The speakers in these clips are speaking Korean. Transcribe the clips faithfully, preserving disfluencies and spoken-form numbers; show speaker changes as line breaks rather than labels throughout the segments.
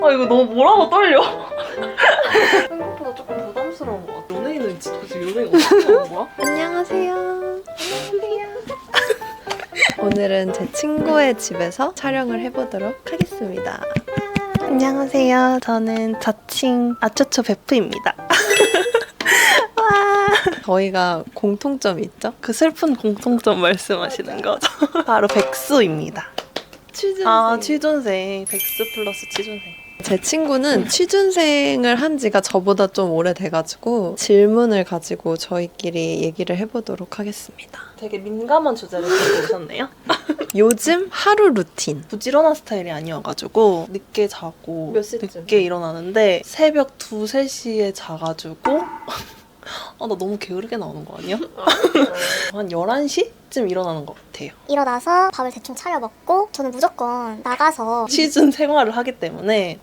아 이거 너무 뭐라고 떨려. 생각보다 조금 부담스러운 것 같아. 연예인은 진짜 도대체 연예인 어떻게 하는 거야?
안녕하세요. 안녕하세요. 오늘은 제 친구의 집에서 촬영을 해보도록 하겠습니다.
안녕하세요. 저는 자칭 아초초 베프입니다.
저희가 공통점이 있죠?
그 슬픈 공통점 말씀하시는 거죠? 바로 백수입니다.
취준생.
아 취준생. 백수 플러스 취준생.
제 친구는 취준생을 한 지가 저보다 좀 오래돼가지고 질문을 가지고 저희끼리 얘기를 해보도록 하겠습니다.
되게 민감한 주제를 들고 오셨네요.
요즘 하루 루틴.
부지런한 스타일이 아니어가지고 늦게 자고
몇 시쯤?
늦게 일어나는데 새벽 두, 세 시에 자가지고 아, 나 너무 게으르게 나오는 거 아니야? 한 열한 시쯤 일어나는 것 같아요.
일어나서 밥을 대충 차려 먹고 저는 무조건 나가서
시즌 생활을 하기 때문에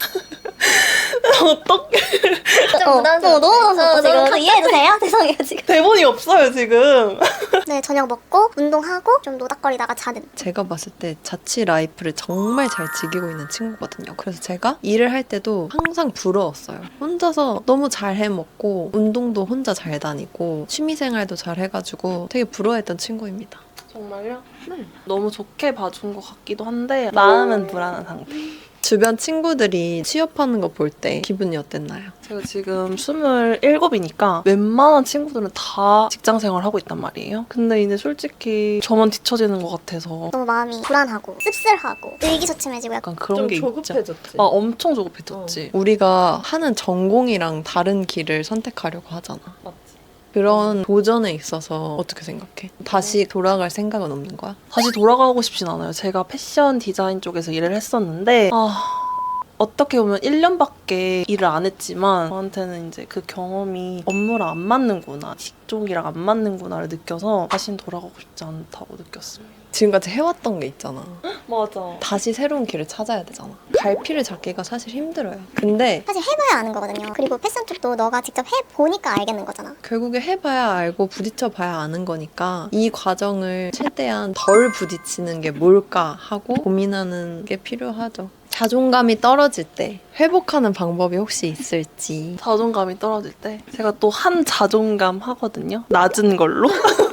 어떻게
좀 부담스러워. 어, 너무 부담스러워. 지금 다 이해해주세요? 죄송해요 지금.
대본이 없어요 지금.
네, 저녁 먹고 운동하고 좀 노닥거리다가 자는.
제가 봤을 때 자취 라이프를 정말 잘 즐기고 있는 친구거든요. 그래서 제가 일을 할 때도 항상 부러웠어요. 혼자서 너무 잘 해먹고 운동도 혼자 잘 다니고 취미생활도 잘 해가지고 되게 부러워했던 친구입니다.
정말요? 네. 너무 좋게 봐준 것 같기도 한데 마음은 불안한 상태.
주변 친구들이 취업하는 거 볼 때 기분이 어땠나요?
제가 지금 스물일곱이니까 웬만한 친구들은 다 직장생활 하고 있단 말이에요. 근데 이제 솔직히 저만 뒤처지는 것 같아서
너무 마음이 불안하고 씁쓸하고 의기소침해지고 약간
약간 그런 게 있죠. 아, 엄청 조급해졌지.
우리가 하는 전공이랑 다른 길을 선택하려고 하잖아.
맞지.
그런 도전에 있어서 어떻게 생각해? 다시 돌아갈 생각은 없는 거야?
다시 돌아가고 싶진 않아요. 제가 패션 디자인 쪽에서 일을 했었는데 아 어떻게 보면 일 년밖에 일을 안 했지만 저한테는 이제 그 경험이 업무랑 안 맞는구나, 직종이랑 안 맞는구나를 느껴서 다신 돌아가고 싶지 않다고 느꼈습니다.
지금까지 해왔던 게 있잖아.
맞아.
다시 새로운 길을 찾아야 되잖아. 갈피를 잡기가 사실 힘들어요. 근데
사실 해봐야 아는 거거든요. 그리고 패션 쪽도 너가 직접 해보니까 알겠는 거잖아.
결국에 해봐야 알고 부딪혀봐야 아는 거니까 이 과정을 최대한 덜 부딪히는 게 뭘까 하고 고민하는 게 필요하죠. 자존감이 떨어질 때 회복하는 방법이 혹시 있을지.
자존감이 떨어질 때 제가 또 한 자존감 하거든요. 낮은 걸로.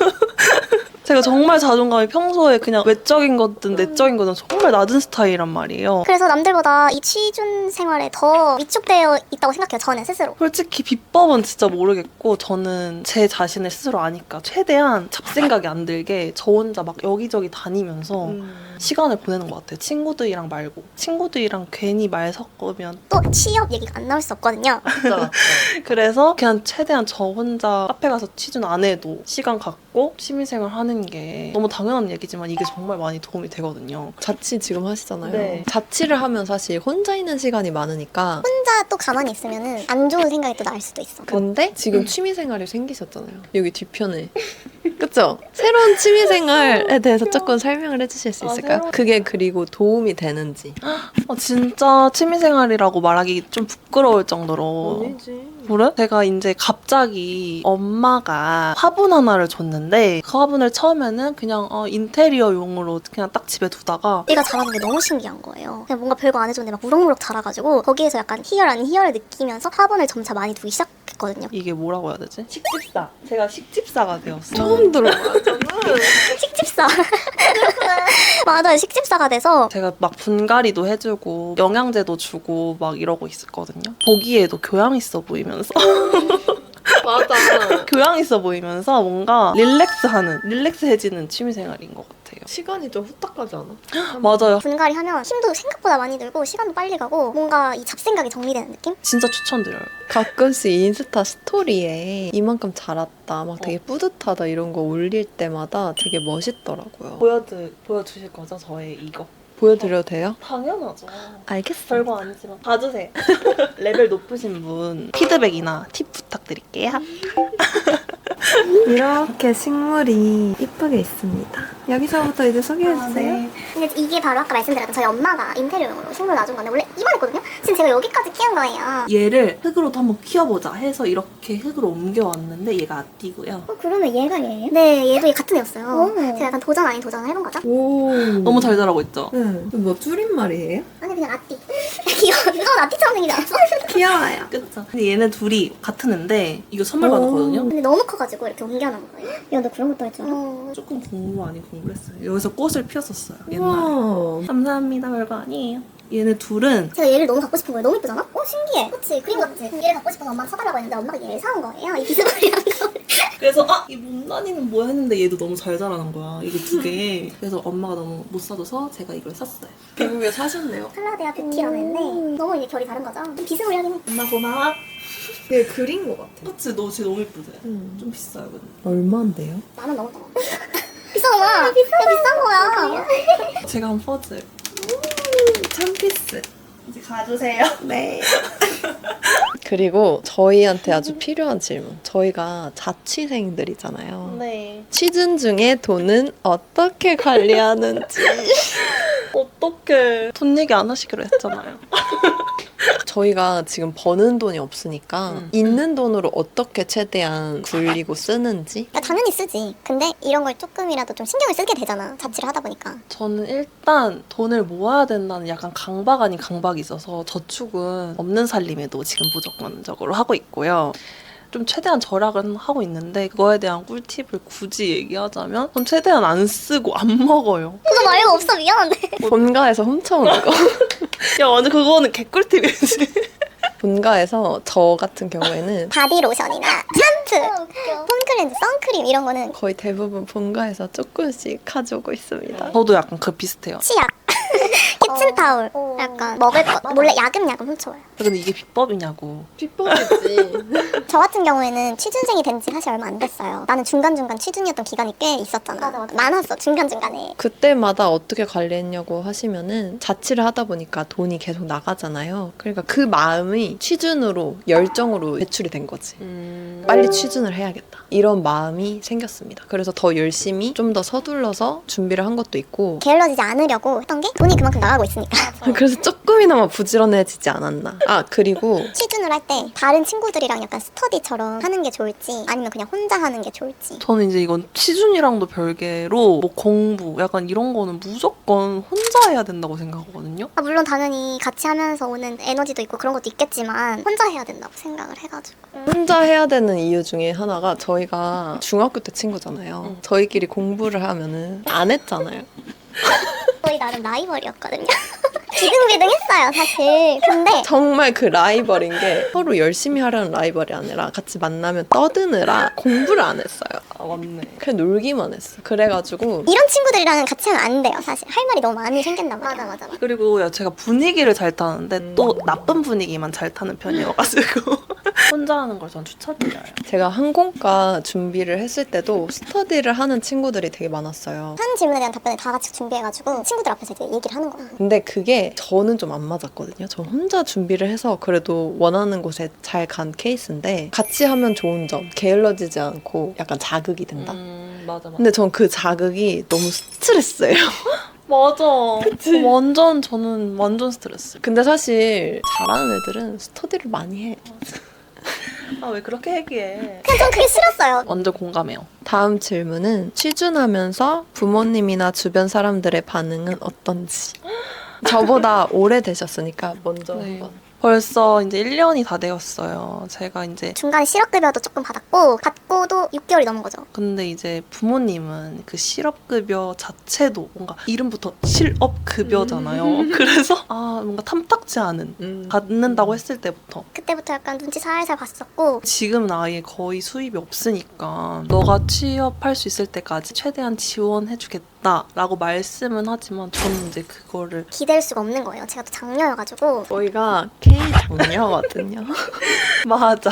제가 정말 자존감이 평소에 그냥 외적인 거든 내적인 거든 정말 낮은 스타일이란 말이에요.
그래서 남들보다 이 취준 생활에 더 위축되어 있다고 생각해요. 저는 스스로.
솔직히 비법은 진짜 모르겠고 저는 제 자신을 스스로 아니까 최대한 잡생각이 안 들게 저 혼자 막 여기저기 다니면서
음.
시간을 보내는 것 같아요. 친구들이랑 말고. 친구들이랑 괜히 말 섞으면
또 취업 얘기가 안 나올 수 없거든요.
진짜.
그래서 그냥 최대한 저 혼자 카페 가서 취준 안 해도 시간 갖고 취미생활 하는 게 너무 당연한 얘기지만 이게 정말 많이 도움이 되거든요.
자취 지금 하시잖아요.
네.
자취를 하면 사실 혼자 있는 시간이 많으니까.
혼자 또 가만히 있으면은 안 좋은 생각이 또 날 수도 있어.
근데 지금 취미생활이 생기셨잖아요. 여기 뒤편에. 그쵸? 새로운 취미생활에 대해서 조금 설명을 해주실 수
아,
있을까요?
새로운-
그게 그리고 도움이 되는지.
아, 진짜 취미생활이라고 말하기 좀 부끄러울 정도로 그래? 제가 이제 갑자기 엄마가 화분 하나를 줬는데 그 화분을 처음에는 그냥 어, 인테리어용으로 그냥 딱 집에 두다가
얘가 자라는 게 너무 신기한 거예요. 그냥 뭔가 별거 안 해줬는데 막 무럭무럭 자라가지고 거기에서 약간 희열 아닌 희열을 느끼면서 화분을 점차 많이 두기 시작했거든요.
이게 뭐라고 해야 되지? 식집사. 제가 식집사가 되었어요.
처음 들어봐.
식집사. 맞아요. 식집사가 돼서
제가 막 분갈이도 해주고 영양제도 주고 막 이러고 있었거든요. 보기에도 교양 있어 보이면서
맞아.
교양 있어 보이면서 뭔가 릴렉스하는 릴렉스해지는 취미생활인 것 같아요.
시간이 좀 후딱 가지 않아?
맞아요.
분갈이 하면 힘도 생각보다 많이 들고 시간도 빨리 가고 뭔가 이 잡생각이 정리되는 느낌?
진짜 추천드려요.
가끔씩 인스타 스토리에 이만큼 자랐다, 막 되게 뿌듯하다 이런 거 올릴 때마다 되게 멋있더라고요.
보여드, 보여주실 거죠? 저의 이거?
보여드려도 돼요?
당연하죠.
알겠어요.
별거 아니지만 봐주세요. 레벨 높으신 분 피드백이나 팁 부탁드릴게요.
이렇게 식물이 이쁘게 있습니다. 여기서부터 이제 소개해주세요.
아, 네.
근데 이게 바로 아까 말씀드렸던 저희 엄마가 인테리어용으로 식물 놔준 건데 원래 이만했거든요? 지금 제가 여기까지 키운 거예요.
얘를 흙으로도 한번 키워보자 해서 이렇게 흙으로 옮겨왔는데 얘가 아띠고요.
어, 그러면 얘가 얘예요? 네, 얘도 같은 애였어요. 제가 약간 도전 아닌 도전을 해본 거죠.
오.
너무 잘 자라고 있죠?
네. 뭐 줄임말이에요?
아니 그냥 아띠. 귀여워. 너 아띠처럼 생기지 않았어?
귀여워요.
그쵸? 근데 얘네 둘이 같은 애인데 이거 선물 받았거든요?
근데 너무 커가지고 이렇게 옮겨놓은 거예요. 야, 너 그런 것도 할 줄 알아? 어,
조금 공부 아닌 공부를 했어요. 여기서 꽃을 피웠었어요. 옛날에.
우와.
감사합니다. 별거 아니에요. 얘네 둘은
제가 얘를 너무 갖고 싶은 거예요. 너무 이쁘잖아? 어, 신기해. 그치? 그림 같지? 얘를 갖고 싶어서 엄마가 사달라고 했는데 엄마가 얘를 사온 거예요. 이 비스무리한 거.
그래서 아! 이 못난이는 뭐야 했는데 얘도 너무 잘 자라는 거야. 이게 두 개. 그래서 엄마가 너무 못 사줘서 제가 이걸 샀어요.
미국에 사셨네요.
칼라데아 뷰티라는 애인데 너무 이게 결이 다른 거죠? 좀 비스무리하긴 해.
엄마 고마워.
되게 그린 것 같아.
그치? 너 진짜 너무 예쁘지?
음.
좀 비싸요 근데.
얼마인데요?
만원 넘었다. 비싸구나. 비싸. 비싼 거야.
제가 한 퍼즐.
천 피스.
이제 가주세요.
네. 그리고 저희한테 아주 필요한 질문. 저희가 자취생들이잖아요.
네.
취준 중에 돈은 어떻게 관리하는지.
어떡해. 돈 얘기 안 하시기로 했잖아요.
저희가 지금 버는 돈이 없으니까
음.
있는 돈으로 어떻게 최대한 굴리고 쓰는지.
야, 당연히 쓰지. 근데 이런 걸 조금이라도 좀 신경을 쓰게 되잖아. 자취를 하다 보니까.
저는 일단 돈을 모아야 된다는 약간 강박 아닌 강박이 있어서 저축은 없는 살림에도 지금 무조건적으로 하고 있고요. 좀 최대한 절약은 하고 있는데 그거에 대한 꿀팁을 굳이 얘기하자면 전 최대한 안 쓰고 안 먹어요.
그거 말고 없어. 미안한데.
본가에서 훔쳐오는 거.
야 완전 그거는 개꿀팁이지.
본가에서 저 같은 경우에는
바디로션이나 샴푸, 폼클렌즈, 선크림 이런 거는
거의 대부분 본가에서 조금씩 가져오고 있습니다.
저도 약간 그 비슷해요.
치약, 키친타올, 약간 먹을 것 몰래 야금야금 훔쳐와요.
근데 이게 비법이냐고.
비법이지.
저 같은 경우에는 취준생이 된 지 사실 얼마 안 됐어요. 나는 중간중간 취준이었던 기간이 꽤 있었잖아. 맞아, 맞아. 많았어, 중간중간에.
그때마다 어떻게 관리했냐고 하시면은 자취를 하다 보니까 돈이 계속 나가잖아요. 그러니까 그 마음이 취준으로 열정으로 배출이 된 거지.
음...
빨리 취준을 해야겠다. 이런 마음이 생겼습니다. 그래서 더 열심히 좀 더 서둘러서 준비를 한 것도 있고
게을러지지 않으려고 했던 게 돈이 그만큼 나가고 있으니까.
그래서 조금이나마 부지런해지지 않았나. 아 그리고
취준을 할 때 다른 친구들이랑 약간 스터디처럼 하는 게 좋을지 아니면 그냥 혼자 하는 게 좋을지.
저는 이제 이건 취준이랑도 별개로 뭐 공부 약간 이런 거는 무조건 혼자 해야 된다고 생각하거든요.
아, 물론 당연히 같이 하면서 오는 에너지도 있고 그런 것도 있겠지만 혼자 해야 된다고 생각을 해가지고.
혼자 해야 되는 이유 중에 하나가 저희가 중학교 때 친구잖아요.
응.
저희끼리 공부를 하면은 안 했잖아요.
거의 나름 라이벌이었거든요. 비등비등했어요 사실. 근데
정말 그 라이벌인 게 서로 열심히 하려는 라이벌이 아니라 같이 만나면 떠드느라 공부를 안 했어요.
아 맞네.
그냥 놀기만 했어. 그래가지고
이런 친구들이랑은 같이 하면 안 돼요 사실. 할 말이 너무 많이 생긴단 말이야. 맞아 맞아 맞아.
그리고 야, 제가 분위기를 잘 타는데
음.
또 나쁜 분위기만 잘 타는 편이어가지고 혼자 하는 걸 전 추천드려요.
제가 항공과 준비를 했을 때도 스터디를 하는 친구들이 되게 많았어요.
하는 질문에 대한 답변을 다 같이 준비해가지고 친구들 앞에서 이제 얘기를 하는 거야.
근데 그게 저는 좀 안 맞았거든요. 저 혼자 준비를 해서 그래도 원하는 곳에 잘 간 케이스인데 같이 하면 좋은 점, 게을러지지 않고 약간 자극이 된다.
음 맞아 맞아.
근데 전 그 자극이 너무 스트레스예요.
맞아. 완전 저는 완전 스트레스.
근데 사실 잘하는 애들은 스터디를 많이 해.
아 왜 그렇게 얘기해?
그냥 전 그게 싫었어요.
완전 공감해요.
다음 질문은 취준하면서 부모님이나 주변 사람들의 반응은 어떤지. 저보다 오래 되셨으니까 먼저
네.
한번.
벌써 이제 일 년이 다 되었어요. 제가 이제
중간에 실업급여도 조금 받았고 받고도 육 개월이 넘은 거죠.
근데 이제 부모님은 그 실업급여 자체도 뭔가 이름부터 실업급여잖아요. 그래서 아 뭔가 탐탁지 않은
음.
받는다고 했을 때부터
그때부터 약간 눈치 살살 봤었고
지금은 아예 거의 수입이 없으니까 너가 취업할 수 있을 때까지 최대한 지원해주겠다 라고 말씀은 하지만 저는 이제 그거를
기댈 수가 없는 거예요. 제가 또 장녀여가지고
저희가 K 장녀거든요.
맞아.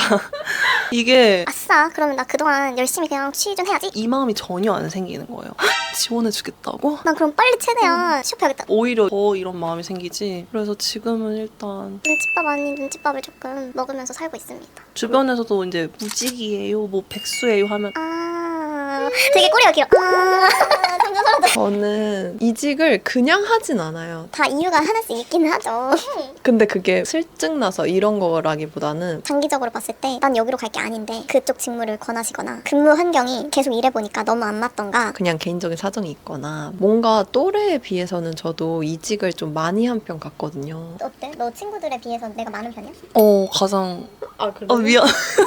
이게
아싸 그러면 나 그동안 열심히 그냥 취준 해야지.
이 마음이 전혀 안 생기는 거예요. 지원해주겠다고?
난 그럼 빨리 최대한 취업해야겠다.
오히려 더 이런 마음이 생기지. 그래서 지금은 일단
눈칫밥 아닌 눈칫밥을 조금 먹으면서 살고 있습니다.
주변에서도 이제 무직이에요, 뭐 백수예요 하면
아 되게 꼬리가 길어. 아, 점점 사라져.
저는 이직을 그냥 하진 않아요.
다 이유가 하나씩 있기는 하죠.
근데 그게 슬증 나서 이런 거라기보다는
장기적으로 봤을 때 난 여기로 갈 게 아닌데 그쪽 직무를 권하시거나 근무 환경이 계속 일해보니까 너무 안 맞던가.
그냥 개인적인 사정이 있거나 뭔가 또래에 비해서는 저도 이직을 좀 많이 한 편 같거든요.
어때? 너 친구들에 비해서 내가 많은 편이야?
어 가장
아, 그래?
어 미안.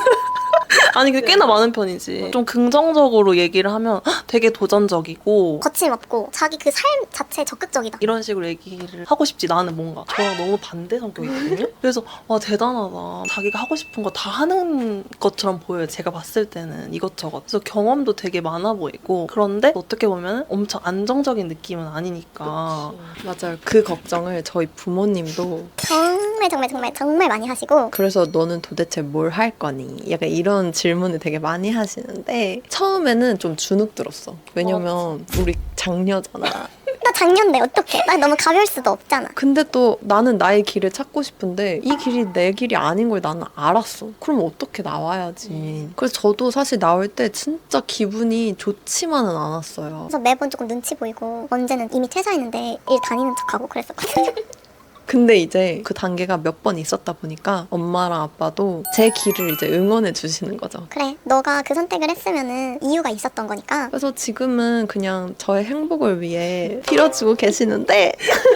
아니 근데 꽤나 많은 편이지. 좀 긍정적으로 얘기를 하면 헉, 되게 도전적이고
거침없고 자기 그 삶 자체에 적극적이다.
이런 식으로 얘기를 하고 싶지. 나는 뭔가 저랑 너무 반대 성격이거든요. 그래서 와 대단하다. 자기가 하고 싶은 거 다 하는 것처럼 보여요. 제가 봤을 때는 이것저것. 그래서 경험도 되게 많아 보이고 그런데 어떻게 보면 엄청 안정적인 느낌은 아니니까.
맞아요. 그 걱정을 저희 부모님도
정말 정말 정말 정말 많이 하시고
그래서 너는 도대체 뭘 할 거니? 약간 이런 질문을 되게 많이 하시는데 처음에는 좀 주눅 들었어. 왜냐면 우리 장녀잖아.
나 작년데 어떡해. 나 너무 가벼울 수도 없잖아.
근데 또 나는 나의 길을 찾고 싶은데 이 길이 내 길이 아닌 걸 나는 알았어. 그럼 어떻게 나와야지. 그래서 저도 사실 나올 때 진짜 기분이 좋지만은 않았어요.
그래서 매번 조금 눈치 보이고 언제는 이미 퇴사했는데 일 다니는 척하고 그랬었거든요.
근데 이제 그 단계가 몇 번 있었다 보니까 엄마랑 아빠도 제 길을 이제 응원해 주시는 거죠.
그래, 너가 그 선택을 했으면은 이유가 있었던 거니까.
그래서 지금은 그냥 저의 행복을 위해 빌어주고 계시는데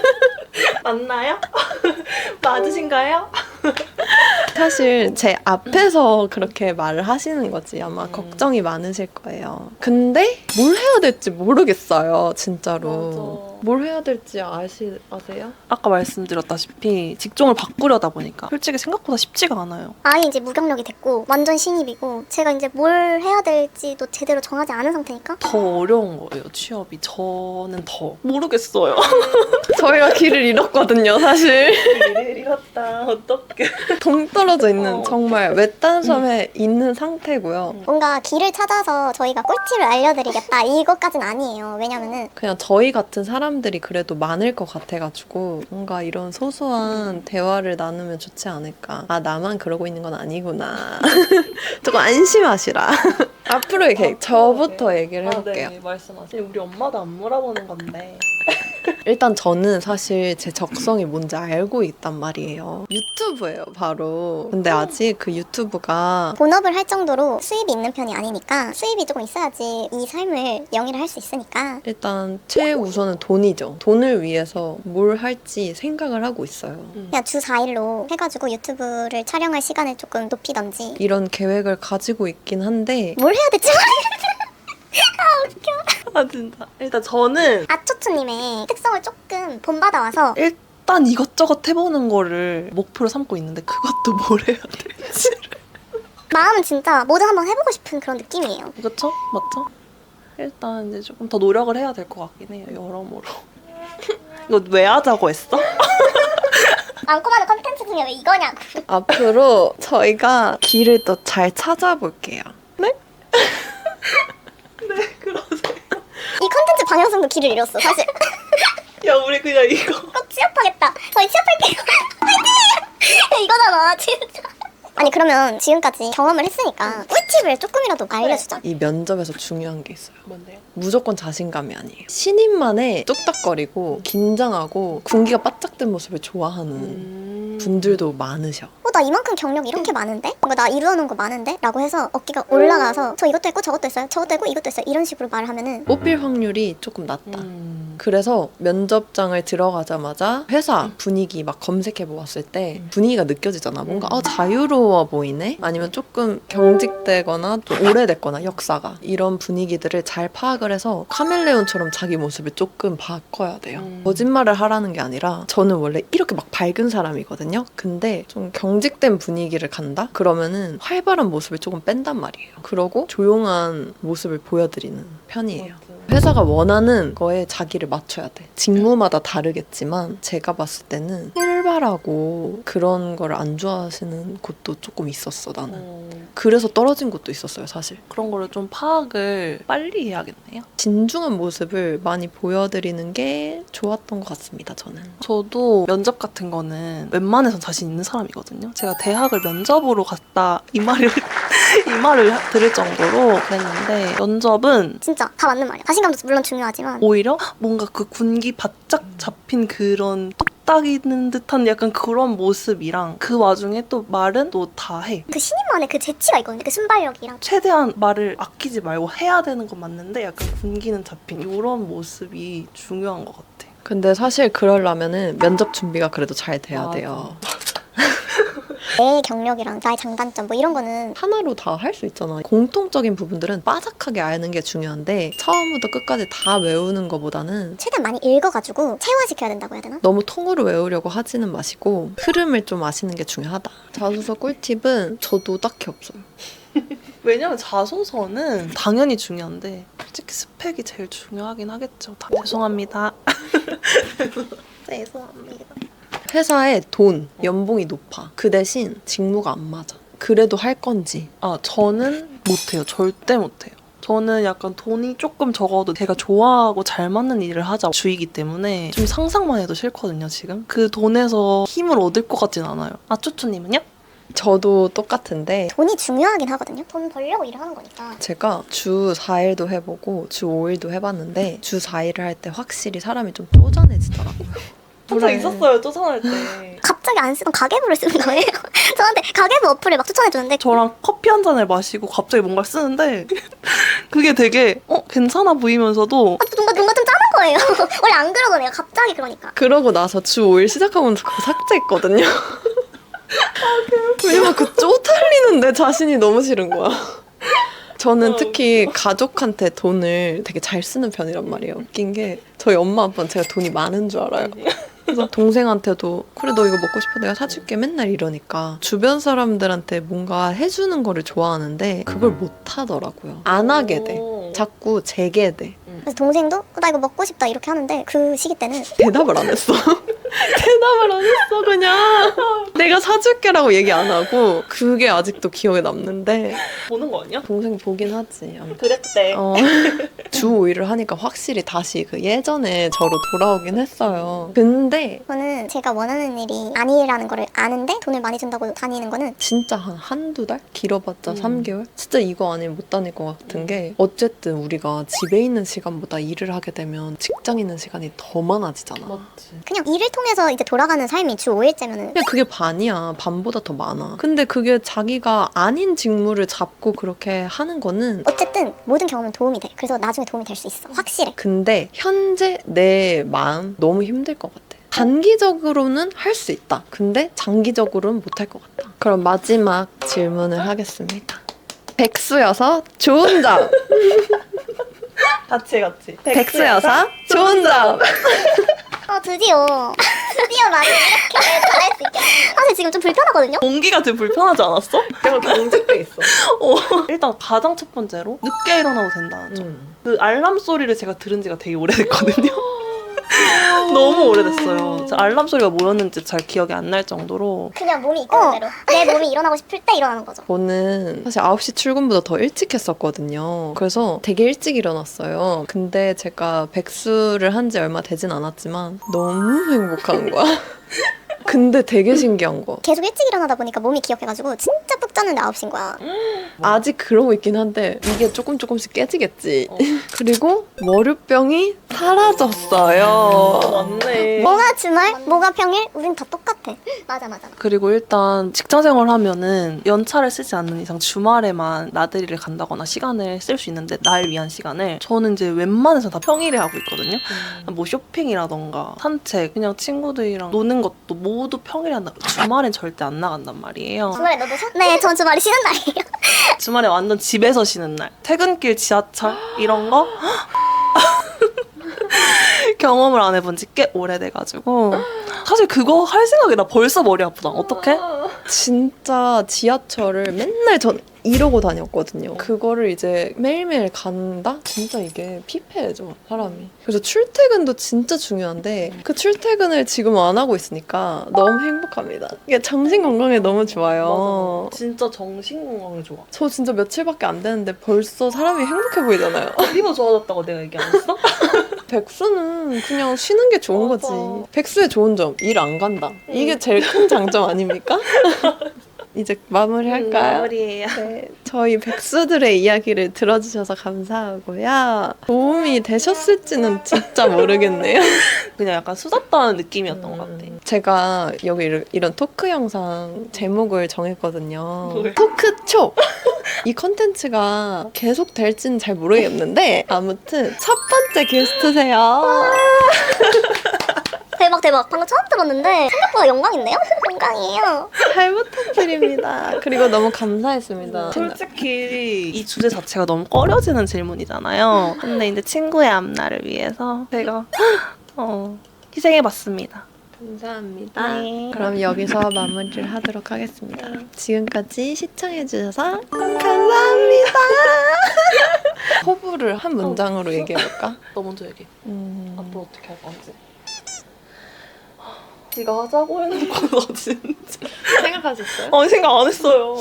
맞나요? 맞으신가요?
사실 제 앞에서 그렇게 말을 하시는 거지. 아마
음.
걱정이 많으실 거예요. 근데 뭘 해야 될지 모르겠어요. 진짜로.
맞아.
뭘 해야 될지 아시, 아세요?
아까 말씀드렸다시피 직종을 바꾸려다 보니까 솔직히 생각보다 쉽지가 않아요.
아예 이제 무경력이 됐고 완전 신입이고 제가 이제 뭘 해야 될지도 제대로 정하지 않은 상태니까
더 어려운 거예요, 취업이. 저는 더 모르겠어요.
저희가 길을 잃었거든요, 사실.
일을 잃었다. 어떡해.
동떨어져 있는
어.
정말 외딴 섬에 있는 상태고요.
뭔가 길을 찾아서 저희가 꿀팁을 알려드리겠다 이것까진 아니에요. 왜냐면은
그냥 저희 같은 사람들이 그래도 많을 것 같아가지고 뭔가 이런 소소한 대화를 나누면 좋지 않을까. 아, 나만 그러고 있는 건 아니구나. 조금 안심하시라. 앞으로 이렇게 저부터 얘기를 해볼게요.
아, 네, 말씀하세요. 우리 엄마도 안 물어보는 건데.
일단 저는 사실 제 적성이 뭔지 알고 있단 말이에요. 유튜브예요, 바로. 근데 아직 그 유튜브가
본업을 할 정도로 수입이 있는 편이 아니니까 수입이 조금 있어야지 이 삶을 영위를 할 수 있으니까.
일단 최우선은 돈이죠. 돈을 위해서 뭘 할지 생각을 하고 있어요.
그냥 주 사 일로 해가지고 유튜브를 촬영할 시간을 조금 높이던지
이런 계획을 가지고 있긴 한데
뭘 해야 될지
아 진짜. 일단 저는
아초초님의 특성을 조금 본받아와서
일단 이것저것 해보는 거를 목표로 삼고 있는데 그것도 뭘 해야 될지.
마음은 진짜 뭐든 한번 해보고 싶은 그런 느낌이에요.
그쵸? 맞죠? 일단 이제 조금 더 노력을 해야 될 것 같긴 해요. 여러모로. 이거 왜 하자고 했어?
많고 많은 컨텐츠 중에 왜 이거냐고.
앞으로 저희가 길을 또 잘 찾아볼게요.
네, 그러세요.
이 컨텐츠 방향성도 길을 잃었어 사실.
야, 우리 그냥 이거.
꼭 취업하겠다. 저희 취업할게요. 화이팅! 이거잖아 진짜. 아니 그러면 지금까지 경험을 했으니까 꿀팁을 조금이라도 알려주자.
이 면접에서 중요한 게 있어요.
뭔데요?
무조건 자신감이 아니에요. 신인만의 뚝딱거리고 긴장하고 군기가 바짝 든 모습을 좋아하는
음...
분들도 많으셔.
어, 나 이만큼 경력 이렇게 많은데? 뭔가 나 이루어놓은 거 많은데? 라고 해서 어깨가 올라가서 저 이것도 했고 저것도 했어요. 저것도 했고 이것도 했어요. 이런 식으로 말을 하면은
뽑힐 확률이 조금 낮다.
음...
그래서 면접장을 들어가자마자 회사 분위기 막 검색해 보았을 때 분위기가 느껴지잖아. 뭔가 아, 자유로워 보이네? 아니면 조금 경직되거나 또 오래됐거나 역사가 이런 분위기들을 잘 파악을 해서 카멜레온처럼 자기 모습을 조금 바꿔야 돼요.
음.
거짓말을 하라는 게 아니라 저는 원래 이렇게 막 밝은 사람이거든요. 근데 좀 경직된 분위기를 간다? 그러면은 활발한 모습을 조금 뺀단 말이에요. 그러고 조용한 모습을 보여드리는 편이에요.
맞아.
회사가 원하는 거에 자기를 맞춰야 돼. 직무마다 다르겠지만 제가 봤을 때는 활발하고 그런 걸 안 좋아하시는 곳도 조금 있었어 나는.
음,
그래서 떨어진 곳도 있었어요 사실.
그런 거를 좀 파악을 빨리 해야겠네요.
진중한 모습을 많이 보여드리는 게 좋았던 것 같습니다 저는.
저도 면접 같은 거는 웬만해선 자신 있는 사람이거든요. 제가 대학을 면접으로 갔다 이 말을 이 말을 들을 정도로 그랬는데 면접은
진짜 다 맞는 말이야. 자신감도 물론 중요하지만
오히려 뭔가 그 군기 바짝 잡힌 그런 뚝딱이는 듯한 약간 그런 모습이랑 그 와중에 또 말은 또 다 해.
그 신인만의 그 재치가 있거든요. 그 순발력이랑.
최대한 말을 아끼지 말고 해야 되는 건 맞는데 약간 군기는 잡힌 이런 모습이 중요한 것 같아.
근데 사실 그러려면은 면접 준비가 그래도 잘 돼야
맞아.
돼요.
내 경력이랑 나의 장단점 뭐 이런 거는
하나로 다 할 수 있잖아. 공통적인 부분들은 빠삭하게 아는 게 중요한데 처음부터 끝까지 다 외우는 것보다는
최대한 많이 읽어가지고 체화시켜야 된다고 해야 되나?
너무 통으로 외우려고 하지는 마시고 흐름을 좀 아시는 게 중요하다. 자소서 꿀팁은 저도 딱히 없어요.
왜냐면 자소서는 당연히 중요한데 솔직히 스펙이 제일 중요하긴 하겠죠. 다 죄송합니다. 죄송합니다.
회사에 돈, 연봉이 높아. 그 대신 직무가 안 맞아. 그래도 할 건지.
아, 저는 못해요. 절대 못해요. 저는 약간 돈이 조금 적어도 제가 좋아하고 잘 맞는 일을 하자 주의기 때문에 좀 상상만 해도 싫거든요, 지금. 그 돈에서 힘을 얻을 것 같진 않아요. 아, 쭈쭈님은요?
저도 똑같은데
돈이 중요하긴 하거든요. 돈 벌려고 일을 하는 거니까.
제가 주 사 일도 해보고 주 오 일도 해봤는데 주 사 일을 할 때 확실히 사람이 좀 쪼잔해지더라고요.
진짜
그래.
있었어요, 쪼잔할 때.
갑자기 안 쓰던 가계부를 쓰는 거예요. 저한테 가계부 어플을 막 추천해주는데
저랑 커피 한 잔을 마시고 갑자기 뭔가를 쓰는데 그게 되게 어 괜찮아 보이면서도
아, 뭔가 뭔가 좀 짜는 거예요. 원래 안 그러거든요. 갑자기 그러니까.
그러고 나서 주 오 일 시작하면서 그거 삭제했거든요. 왜냐면 그 쪼달리는 내 자신이 너무 싫은 거야. 저는 특히 가족한테 돈을 되게 잘 쓰는 편이란 말이에요. 웃긴 게 저희 엄마 아빠는 제가 돈이 많은 줄 알아요. 그래서 동생한테도 그래 너 이거 먹고 싶어 내가 사줄게 맨날 이러니까 주변 사람들한테 뭔가 해주는 거를 좋아하는데 그걸 못 하더라고요. 안 하게 돼. 자꾸 제게 돼.
그래서 동생도 어, 나 이거 먹고 싶다 이렇게 하는데 그 시기 때는
대답을 안 했어. 대답을 안 했어 그냥. 내가 사줄게라고 얘기 안 하고 그게 아직도 기억에 남는데
보는 거 아니야?
동생 보긴 하지. 아무튼.
그랬대.
어, 주 오 일을 하니까 확실히 다시 그 예전에 저로 돌아오긴 했어요. 근데
저는 제가 원하는 일이 아니라는 거를 아는데 돈을 많이 준다고 다니는 거는
진짜 한 한두 달? 길어봤자
음.
삼 개월? 진짜 이거 아니면 못 다닐 것 같은 게 어쨌든 우리가 집에 있는 시간보다 일을 하게 되면 직장 있는 시간이 더 많아지잖아.
맞지.
그냥 일을 통해서 이제 돌아가는 삶이 주 오 일째면은
그냥 그게 반이야. 반보다 더 많아. 근데 그게 자기가 아닌 직무를 잡고 그렇게 하는 거는
어쨌든 모든 경험은 도움이 돼. 그래서 나중에 도움이 될 수 있어. 확실해.
근데 현재 내 마음 너무 힘들 것 같아. 단기적으로는 할 수 있다. 근데 장기적으로는 못 할 것 같다. 그럼 마지막 질문을 하겠습니다. 백수여서 좋은 점.
같이 같이.
백수여서 좋은 점.
어 드디어 드디어 나는 이렇게 잘할 수 있게. 사실 지금 좀 불편하거든요.
공기가 되게 불편하지 않았어?
약간 경직돼 있어.
어. 일단 가장 첫 번째로 늦게 일어나도 된다는 점.
음.
그 알람 소리를 제가 들은 지가 되게 오래됐거든요. 너무 오래됐어요. 저 알람 소리가 뭐였는지 잘 기억이 안 날 정도로.
그냥 몸이 이끄는 대로. 내 몸이 일어나고 싶을 때 일어나는 거죠.
저는 사실 아홉 시 출근보다 더 일찍 했었거든요. 그래서 되게 일찍 일어났어요. 근데 제가 백수를 한 지 얼마 되진 않았지만 너무 행복한 거야. 근데 되게 신기한 거.
계속 일찍 일어나다 보니까 몸이 기억해가지고 진짜 푹 잤는데 아홉 시인 거야.
아직 그러고 있긴 한데 이게 조금 조금씩 깨지겠지.
어.
그리고 월요병이 사라졌어요.
맞네.
뭐가 주말, 뭐가 평일, 우린 다 똑같아. 맞아 맞아.
그리고 일단 직장 생활하면은 연차를 쓰지 않는 이상 주말에만 나들이를 간다거나 시간을 쓸 수 있는데 날 위한 시간을 저는 이제 웬만해서 다 평일에 하고 있거든요. 뭐 쇼핑이라던가 산책, 그냥 친구들이랑 노는 것도 모두 평일에 한다. 주말엔 절대 안 나간단 말이에요.
주말에 너도 쉬어? 네, 전 주말에 쉬는 날이에요.
주말에 완전 집에서 쉬는 날. 퇴근길 지하철 이런 거 경험을 안 해본 지 꽤 오래돼가지고 사실 그거 할 생각이 나 벌써 머리 아프다. 어떡해?
진짜 지하철을 맨날 전 이러고 다녔거든요. 그거를 이제 매일매일 간다? 진짜 이게 피폐해져, 사람이. 그래서 출퇴근도 진짜 중요한데 그 출퇴근을 지금 안 하고 있으니까 너무 행복합니다. 이게 정신 건강에 너무 좋아요.
맞아. 진짜 정신 건강에 좋아.
저 진짜 며칠밖에 안 됐는데 벌써 사람이 행복해 보이잖아요.
피부 좋아졌다고 내가 얘기 안 했어?
백수는 그냥 쉬는 게 좋은
맞아.
거지. 백수의 좋은 점, 일 안 간다. 이게 제일 큰 장점 아닙니까? 이제 마무리할까요?
마무리예요.
네, 저희 백수들의 이야기를 들어주셔서 감사하고요. 도움이 되셨을지는 진짜 모르겠네요.
그냥 약간 수다 떠는 느낌이었던 것 같아.
제가 여기 이런, 이런 토크 영상 제목을 정했거든요.
뭐예요?
토크쇼! 이 컨텐츠가 계속 될지는 잘 모르겠는데 아무튼 첫 번째 게스트세요.
대박 대박. 방금 처음 들었는데 생각보다 영광인데요? 영광이에요.
잘 부탁드립니다. 그리고 너무 감사했습니다.
솔직히 이 주제 자체가 너무 꺼려지는 질문이잖아요. 근데 이제 친구의 앞날을 위해서 제가 어, 희생해봤습니다.
감사합니다.
네.
그럼 여기서 마무리를 하도록 하겠습니다. 지금까지 시청해주셔서 감사합니다. 호불을 한 문장으로 얘기해볼까?
너 먼저 얘기해.
음...
앞으로 어떻게 할 건지. 네가 하자고 해놓고 너 진짜.
생각하셨어요?
아니 생각 안 했어요.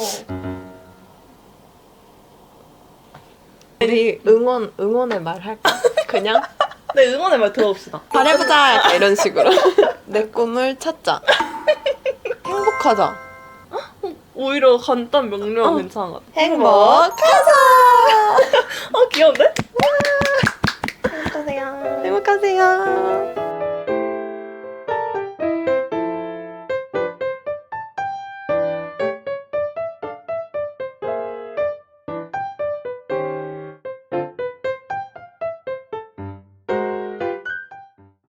우리 응원, 응원의 말 할까? 그냥?
네, 응원의 말 들어봅시다.
잘해보자! 약간 이런 식으로. 내 꿈을 찾자. 행복하자.
오히려 간단 명료한
어.
괜찮은 것 같아.
행복하자!
어 귀여운데?
행복하세요. 행복하세요.